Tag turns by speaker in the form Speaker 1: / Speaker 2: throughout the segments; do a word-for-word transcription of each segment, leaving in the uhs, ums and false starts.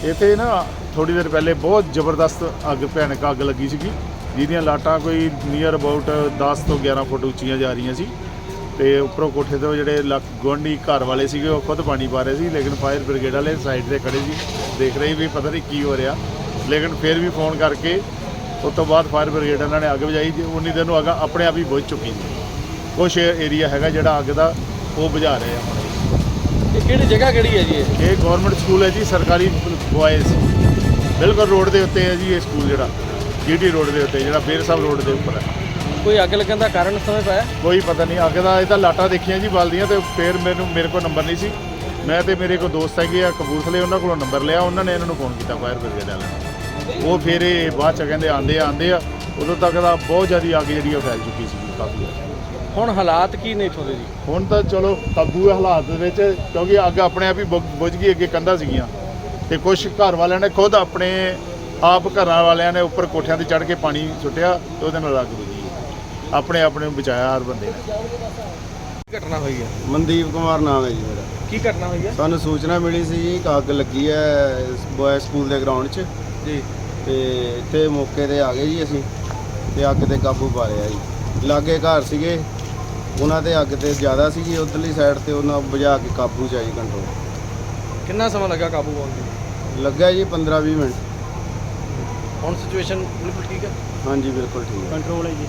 Speaker 1: ਇੱਥੇ ਨਾ ਥੋੜੀ ਦੇਰ ਪਹਿਲੇ ਬਹੁਤ ਜ਼ਬਰਦਸਤ ਅੱਗ ਭਿਆਨਕ ਅੱਗ ਲੱਗੀ ਸੀਗੀ, ਜਿਹਦੀਆਂ ਲਾਟਾਂ ਕੋਈ ਨੀਅਰ ਅਬਾਊਟ ਦਸ ਤੋਂ ਗਿਆਰਾਂ ਫੁੱਟ ਉੱਚੀਆਂ ਜਾ ਰਹੀਆਂ ਸੀ ਤੇ ਉੱਪਰੋਂ ਕੋਠੇ ਤੋਂ ਜਿਹੜੇ ਲੱਕ ਗੁਆਂਢੀ ਘਰ ਵਾਲੇ ਸੀਗੇ ਉਹ ਖੁਦ ਪਾਣੀ ਪਾ ਰਹੇ ਸੀ, ਲੇਕਿਨ ਫਾਇਰ ਬ੍ਰਿਗੇਡ ਵਾਲੇ ਸਾਈਡ ਤੇ ਖੜੇ ਸੀ, ਦੇਖ ਰਹੇ ਵੀ ਪਤਾ ਨਹੀਂ ਕੀ ਹੋ ਰਿਹਾ, ਲੇਕਿਨ ਫਿਰ ਵੀ ਫੋਨ ਕਰਕੇ ਉਸ ਤੋਂ ਬਾਅਦ ਫਾਇਰ ਬ੍ਰਿਗੇਡ ਉਹਨਾਂ ਨੇ ਅੱਗ ਬੁਝਾਈ। ਉਨੀ ਦਿਨ ਨੂੰ ਅੱਗ ਆਪਣੇ ਆਪ ਹੀ ਬੁਝ ਚੁੱਕੀ ਸੀ। ਕੁਛ ਏਰੀਆ ਹੈਗਾ ਜਿਹੜਾ ਅੱਗ ਦਾ ਉਹ ਬੁਝਾ ਰਹੇ ਆ ਹੁਣ।
Speaker 2: ਇਹ ਕਿਹੜੀ ਜਗ੍ਹਾ ਕਿਹੜੀ ਹੈ ਜੀ ਇਹ?
Speaker 1: ਇਹ ਗਵਰਨਮੈਂਟ ਸਕੂਲ ਹੈ ਜੀ, ਸਰਕਾਰੀ ਬॉयਜ਼, ਬਿਲਕੁਲ ਰੋਡ ਦੇ ਉੱਤੇ ਹੈ ਜੀ ਇਹ ਸਕੂਲ, ਜਿਹੜਾ ਜੀਟੀ ਰੋਡ ਦੇ ਉੱਤੇ, ਜਿਹੜਾ ਬੇਰ ਸਾਹਿਬ ਰੋਡ ਦੇ ਉੱਪਰ ਹੈ।
Speaker 2: ਕੋਈ ਅੱਗ ਲੱਗਣ ਦਾ ਕਾਰਨ ਸਮਝ ਪਾਇਆ?
Speaker 1: ਕੋਈ ਪਤਾ ਨਹੀਂ ਅੱਗ ਦਾ। ਇਹ ਤਾਂ ਲਾਟਾਂ ਦੇਖੀਆਂ ਜੀ ਬਲਦੀਆਂ, ਤੇ ਫਿਰ ਮੈਨੂੰ ਮੇਰੇ ਕੋਲ ਨੰਬਰ ਨਹੀਂ ਸੀ, ਮੈਂ ਤੇ ਮੇਰੇ ਕੋਲ ਦੋਸਤ ਹੈਗੇ ਆ ਕਪੂਰਥਲੇ, ਉਹਨਾਂ ਕੋਲੋਂ ਨੰਬਰ ਲਿਆ, ਉਹਨਾਂ ਨੇ ਇਹਨਾਂ ਨੂੰ ਫੋਨ ਕੀਤਾ ਫਾਇਰ ਬ੍ਰਿਗੇਡ ਵਾਲਿਆਂ ਨੂੰ। ਉਹ ਫਿਰ ਇਹ ਬਾਅਦ 'ਚ ਕਹਿੰਦੇ ਆਉਂਦੇ ਆ ਆਉਂਦੇ ਆ ਉਦੋਂ ਤੱਕ ਦਾ ਬਹੁਤ ਜ਼ਿਆਦਾ ਅੱਗ ਜਿਹੜੀ ਉਹ ਫੈਲ ਚੁੱਕੀ ਸੀ ਕਾਫੀ।
Speaker 2: ਹੁਣ ਹਾਲਾਤ ਕੀ ਨੇ ਇੱਥੋਂ ਦੇ ਜੀ?
Speaker 1: ਹੁਣ ਤਾਂ ਚਲੋ ਕਾਬੂ ਹੈ ਹਾਲਾਤ ਦੇ ਵਿੱਚ, ਕਿਉਂਕਿ ਅੱਗ ਆਪਣੇ ਆਪ ਹੀ ਬੁ- ਬੁਝ ਗਈ। ਅੱਗੇ ਕੰਧਾਂ ਸੀਗੀਆਂ ਤੇ ਕੁਝ ਘਰ ਵਾਲਿਆਂ ਨੇ ਖੁਦ ਆਪਣੇ ਆਪ ਘਰਾਂ ਵਾਲਿਆਂ ਨੇ ਉੱਪਰ ਕੋਠਿਆਂ ਤੇ ਚੜ੍ਹ ਕੇ ਪਾਣੀ ਸੁੱਟਿਆ ਤੇ ਉਹਦੇ ਨਾਲ ਅੱਗ ਬੁਝੀ, ਆਪਣੇ ਆਪਣੇ ਨੂੰ ਬਚਾਇਆ ਹਰ ਬੰਦੇ ਨੇ।
Speaker 2: ਕੀ ਘਟਨਾ ਹੋਈ ਹੈ?
Speaker 3: ਮਨਦੀਪ ਕੁਮਾਰ ਨਾਮ ਹੈ ਜੀ ਮੇਰਾ।
Speaker 2: ਕੀ ਘਟਨਾ ਹੋਈ ਹੈ?
Speaker 3: ਸਾਨੂੰ ਸੂਚਨਾ ਮਿਲੀ ਸੀ ਜੀ ਕਿ ਅੱਗ ਲੱਗੀ ਹੈ ਬॉय ਸਕੂਲ ਦੇ ਗਰਾਊਂਡ 'ਚ,
Speaker 2: ਜੀ
Speaker 3: ਤੇ ਇੱਥੇ ਮੌਕੇ ਤੇ ਆ ਗਏ ਜੀ ਅਸੀਂ, ਤੇ ਅੱਗ ਤੇ ਕਾਬੂ ਪਾ ਲਿਆ ਜੀ। ਲਾਗੇ ਘਰ ਸੀਗੇ, ਉਹਨਾਂ ਦੇ ਅੱਗ ਤੇ ਜ਼ਿਆਦਾ ਸੀਗੀ ਉਧਰਲੀ ਸਾਈਡ ਤੇ, ਉਹਨਾਂ ਬੁਝਾ ਕੇ ਕਾਬੂ 'ਚ ਆਈ ਕੰਟਰੋਲ।
Speaker 2: ਕਿੰਨਾ ਸਮਾਂ ਲੱਗਾ ਕਾਬੂ ਪਾਉਣ ਨੂੰ?
Speaker 3: ਲੱਗਾ ਜੀ ਪੰਦਰਾਂ ਵੀਹ ਮਿੰਟ।
Speaker 2: ਹੁਣ ਸਿਚੁਏਸ਼ਨ ਬਿਲਕੁਲ ਠੀਕ ਹੈ?
Speaker 3: ਹਾਂਜੀ ਬਿਲਕੁਲ ਠੀਕ ਹੈ।
Speaker 2: ਕੰਟਰੋਲ ਹੈ ਜੀ।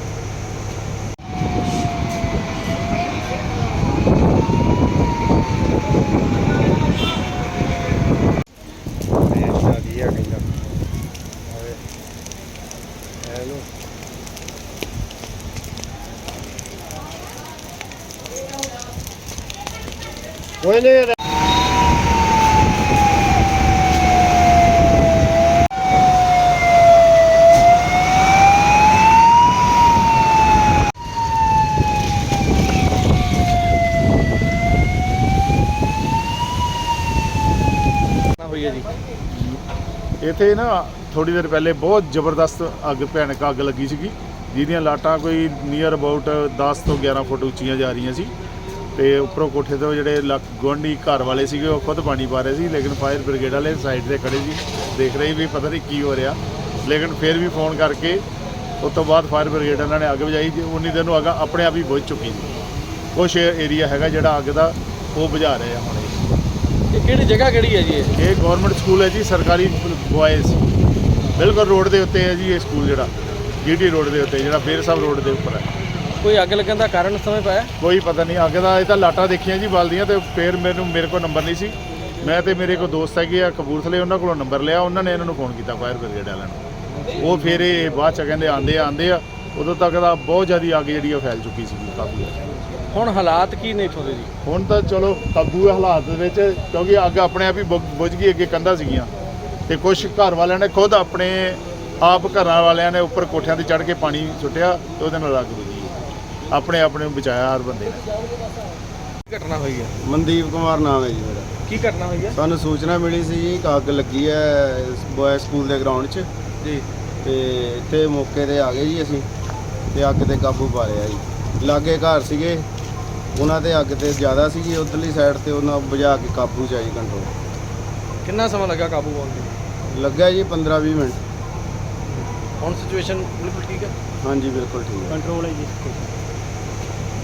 Speaker 1: ਕੋਈ ਨਹੀਂ
Speaker 2: ਹੋਈ ਹੈ ਜੀ?
Speaker 1: ਇੱਥੇ ਨਾ ਥੋੜੀ ਦੇਰ ਪਹਿਲੇ ਬਹੁਤ ਜ਼ਬਰਦਸਤ ਅੱਗ ਭਿਆਨਕ ਅੱਗ ਲੱਗੀ ਸੀਗੀ, ਜਿਹਦੀਆਂ ਲਾਟਾਂ ਕੋਈ ਨੀਅਰ ਅਬਾਊਟ ਦਸ ਤੋਂ ਗਿਆਰਾਂ ਫੁੱਟ ਉੱਚੀਆਂ ਜਾ ਰਹੀਆਂ ਸੀ ਤੇ ਉੱਪਰੋਂ ਕੋਠੇ ਤੋਂ ਜਿਹੜੇ ਲੱਕ ਗੁਆਂਢੀ ਘਰ ਵਾਲੇ ਸੀਗੇ ਉਹ ਖੁਦ ਪਾਣੀ ਪਾ ਰਹੇ ਸੀ, ਲੇਕਿਨ ਫਾਇਰ ਬ੍ਰਿਗੇਡ ਵਾਲੇ ਸਾਈਡ ਤੇ ਖੜੇ ਸੀ, ਦੇਖ ਰਹੇ ਵੀ ਪਤਾ ਨਹੀਂ ਕੀ ਹੋ ਰਿਹਾ, ਲੇਕਿਨ ਫਿਰ ਵੀ ਫੋਨ ਕਰਕੇ ਉਸ ਤੋਂ ਬਾਅਦ ਫਾਇਰ ਬ੍ਰਿਗੇਡ ਉਹਨਾਂ ਨੇ ਅੱਗ ਬੁਝਾਈ। ਉਨੀ ਦਿਨ ਨੂੰ ਅੱਗ ਆਪਣੇ ਆਪ ਹੀ ਬੁਝ ਚੁੱਕੀ ਸੀ। ਕੁਛ ਏਰੀਆ ਹੈਗਾ ਜਿਹੜਾ ਅੱਗ ਦਾ ਉਹ ਬੁਝਾ ਰਹੇ ਆ ਹੁਣ।
Speaker 2: ਇਹ ਕਿਹੜੀ ਜਗ੍ਹਾ ਕਿਹੜੀ ਹੈ ਜੀ ਇਹ?
Speaker 1: ਇਹ ਗਵਰਨਮੈਂਟ ਸਕੂਲ ਹੈ ਜੀ, ਸਰਕਾਰੀ ਬॉयਜ਼, ਬਿਲਕੁਲ ਰੋਡ ਦੇ ਉੱਤੇ ਹੈ ਜੀ ਇਹ ਸਕੂਲ, ਜਿਹੜਾ ਜੀਟੀ ਰੋਡ ਦੇ ਉੱਤੇ, ਜਿਹੜਾ ਬੇਰ ਸਾਹਿਬ ਰੋਡ ਦੇ ਉੱਪਰ ਹੈ।
Speaker 2: ਕੋਈ ਅੱਗ ਲੱਗਣ ਦਾ ਕਾਰਨ ਸਮਝ ਪਾਇਆ?
Speaker 1: ਕੋਈ ਪਤਾ ਨਹੀਂ ਅੱਗ ਦਾ। ਇਹ ਤਾਂ ਲਾਟਾਂ ਦੇਖੀਆਂ ਜੀ ਬਲਦੀਆਂ, ਤੇ ਫਿਰ ਮੈਨੂੰ ਮੇਰੇ ਕੋਲ ਨੰਬਰ ਨਹੀਂ ਸੀ, ਮੈਂ ਤੇ ਮੇਰੇ ਕੋਲ ਦੋਸਤ ਹੈਗੇ ਆ ਕਪੂਰਥਲੇ, ਉਹਨਾਂ ਕੋਲੋਂ ਨੰਬਰ ਲਿਆ, ਉਹਨਾਂ ਨੇ ਇਹਨਾਂ ਨੂੰ ਫੋਨ ਕੀਤਾ ਫਾਇਰ ਬ੍ਰਿਗੇਡ ਵਾਲਿਆਂ ਨੂੰ। ਉਹ ਫਿਰ ਇਹ ਬਾਅਦ 'ਚ ਕਹਿੰਦੇ ਆਉਂਦੇ ਆ ਆਉਂਦੇ ਆ ਉਦੋਂ ਤੱਕ ਦਾ ਬਹੁਤ ਜ਼ਿਆਦਾ ਅੱਗ ਜਿਹੜੀ ਉਹ ਫੈਲ ਚੁੱਕੀ ਸੀ ਕਾਫੀ।
Speaker 2: ਹੁਣ ਹਾਲਾਤ ਕੀ ਨੇ ਇੱਥੋਂ ਦੇ ਜੀ?
Speaker 1: ਹੁਣ ਤਾਂ ਚਲੋ ਕਾਬੂ ਹੈ ਹਾਲਾਤ ਦੇ ਵਿੱਚ, ਕਿਉਂਕਿ ਅੱਗ ਆਪਣੇ ਆਪ ਹੀ ਬੁ- ਬੁਝ ਗਈ। ਅੱਗੇ ਕੰਧਾਂ ਸੀਗੀਆਂ ਤੇ ਕੁਝ ਘਰ ਵਾਲਿਆਂ ਨੇ ਖੁਦ ਆਪਣੇ ਆਪ ਘਰਾਂ ਵਾਲਿਆਂ ਨੇ ਉੱਪਰ ਕੋਠਿਆਂ ਤੇ ਚੜ੍ਹ ਕੇ ਪਾਣੀ ਸੁੱਟਿਆ ਤੇ ਉਹਦੇ ਨਾਲ ਅੱਗ ਬੁਝੀ, ਆਪਣੇ ਆਪਣੇ ਨੂੰ ਬਚਾਇਆ ਹਰ ਬੰਦੇ ਨੇ।
Speaker 2: ਕੀ ਘਟਨਾ ਹੋਈ ਹੈ?
Speaker 3: ਮਨਦੀਪ ਕੁਮਾਰ ਨਾਮ ਹੈ ਜੀ ਮੇਰਾ।
Speaker 2: ਕੀ ਘਟਨਾ ਹੋਈ ਹੈ?
Speaker 3: ਸਾਨੂੰ ਸੂਚਨਾ ਮਿਲੀ ਸੀ ਜੀ ਕਿ ਅੱਗ ਲੱਗੀ ਹੈ ਬॉय ਸਕੂਲ ਦੇ ਗਰਾਊਂਡ 'ਚ,
Speaker 2: ਜੀ
Speaker 3: ਤੇ ਇੱਥੇ ਮੌਕੇ ਤੇ ਆ ਗਏ ਜੀ ਅਸੀਂ, ਤੇ ਅੱਗ ਤੇ ਕਾਬੂ ਪਾ ਲਿਆ ਜੀ। ਲਾਗੇ ਘਰ ਸੀਗੇ, ਉਹਨਾਂ ਦੇ ਅੱਗ ਤੇ ਜ਼ਿਆਦਾ ਸੀਗੀ ਉਧਰਲੀ ਸਾਈਡ ਤੇ, ਉਹਨਾਂ ਬੁਝਾ ਕੇ ਕਾਬੂ 'ਚ ਆਈ ਕੰਟਰੋਲ।
Speaker 2: ਕਿੰਨਾ ਸਮਾਂ ਲੱਗਾ ਕਾਬੂ ਪਾਉਣ ਨੂੰ?
Speaker 3: ਲੱਗਾ ਜੀ ਪੰਦਰਾਂ ਵੀਹ ਮਿੰਟ।
Speaker 2: ਹੁਣ ਸਿਚੁਏਸ਼ਨ ਬਿਲਕੁਲ ਠੀਕ ਹੈ?
Speaker 3: ਹਾਂਜੀ ਬਿਲਕੁਲ ਠੀਕ ਹੈ।
Speaker 2: ਕੰਟਰੋਲ ਹੈ ਜੀ।